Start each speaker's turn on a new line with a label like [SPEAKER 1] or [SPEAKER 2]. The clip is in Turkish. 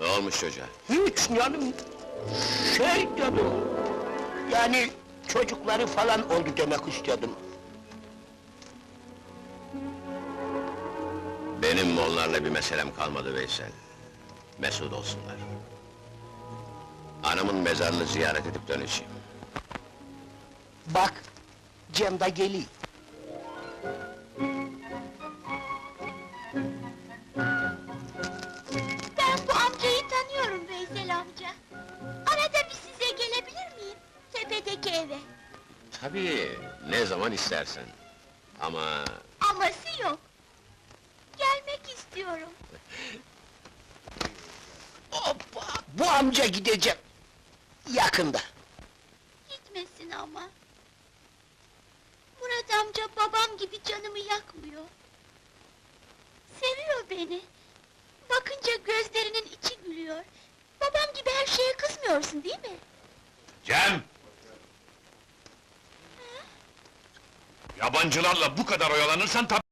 [SPEAKER 1] Ne olmuş çocuğa?
[SPEAKER 2] Hiç canım, canım... Yani çocukları falan oldu demek istedim.
[SPEAKER 1] Benim onlarla bir meselem kalmadı Veysel. Mesut olsunlar. Anamın mezarını ziyaret edip döneceğim.
[SPEAKER 2] Bak, Cem da geliyor.
[SPEAKER 3] Ben bu amcayı tanıyorum Veysel amca. Arada bir size gelebilir miyim? Tepedeki eve.
[SPEAKER 1] Tabii, ne zaman istersen. Ama...
[SPEAKER 3] Aması yok. Gelmek istiyorum.
[SPEAKER 2] Hoppa! Bu amca gidecek. Yakında.
[SPEAKER 3] Gitmesin ama. Murat amca babam gibi canımı yakmıyor. Seviyor beni. Bakınca gözlerinin içi gülüyor. Babam gibi her şeye kızmıyorsun değil mi?
[SPEAKER 4] Cem! Yabancılarla bu kadar oyalanırsan